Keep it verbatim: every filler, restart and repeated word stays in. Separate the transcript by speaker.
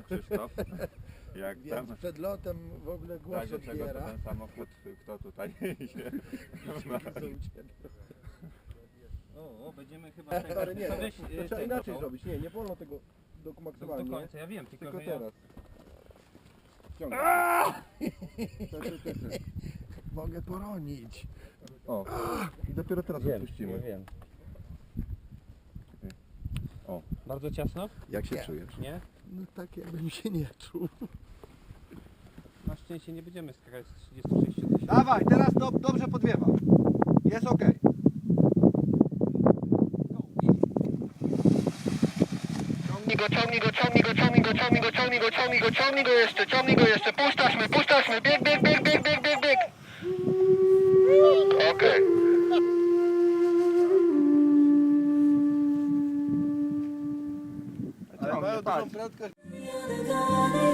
Speaker 1: Krzysztof. Jak tam
Speaker 2: Więc przed lotem w ogóle głos
Speaker 1: razie czego to
Speaker 2: odbiera.
Speaker 1: ten samochód, kto tutaj jeździ?
Speaker 3: O, o, będziemy chyba tego...
Speaker 2: Ale nie,
Speaker 3: to
Speaker 2: to,
Speaker 3: weź,
Speaker 2: to
Speaker 3: y,
Speaker 2: trzeba
Speaker 3: tego,
Speaker 2: inaczej
Speaker 3: to-
Speaker 2: zrobić. Nie, nie wolno tego do
Speaker 3: Do, do
Speaker 2: maksymalnie.
Speaker 3: końca, ja wiem, tylko,
Speaker 2: Tylko
Speaker 3: że ja...
Speaker 2: teraz. Ciągnij. Czekaj, czekaj. Mogę poronić.
Speaker 1: O, i dopiero teraz odpuścimy.
Speaker 3: wiem.
Speaker 1: O.
Speaker 3: Bardzo ciasno?
Speaker 1: Jak się
Speaker 2: Nie.
Speaker 1: czujesz?
Speaker 3: Nie?
Speaker 2: No tak jakbym się nie czuł.
Speaker 3: Na szczęście nie będziemy skakać z trzydziestu sześciu tysięcy.
Speaker 4: Dawaj, teraz do, dobrze podwiewa. Jest ok.
Speaker 5: Ciągnij go, ciągnij go, ciągnij go, ciągnij go, ciągnij go, ciągnij go, ciągnij go, ciągnij go jeszcze, ciągnij go jeszcze, puszczaśmy, puszczaśmy, bieg, bieg, bieg, bieg, bieg, bieg, bieg. Okej.
Speaker 4: Ale mają dużą prędkość.
Speaker 6: You're the God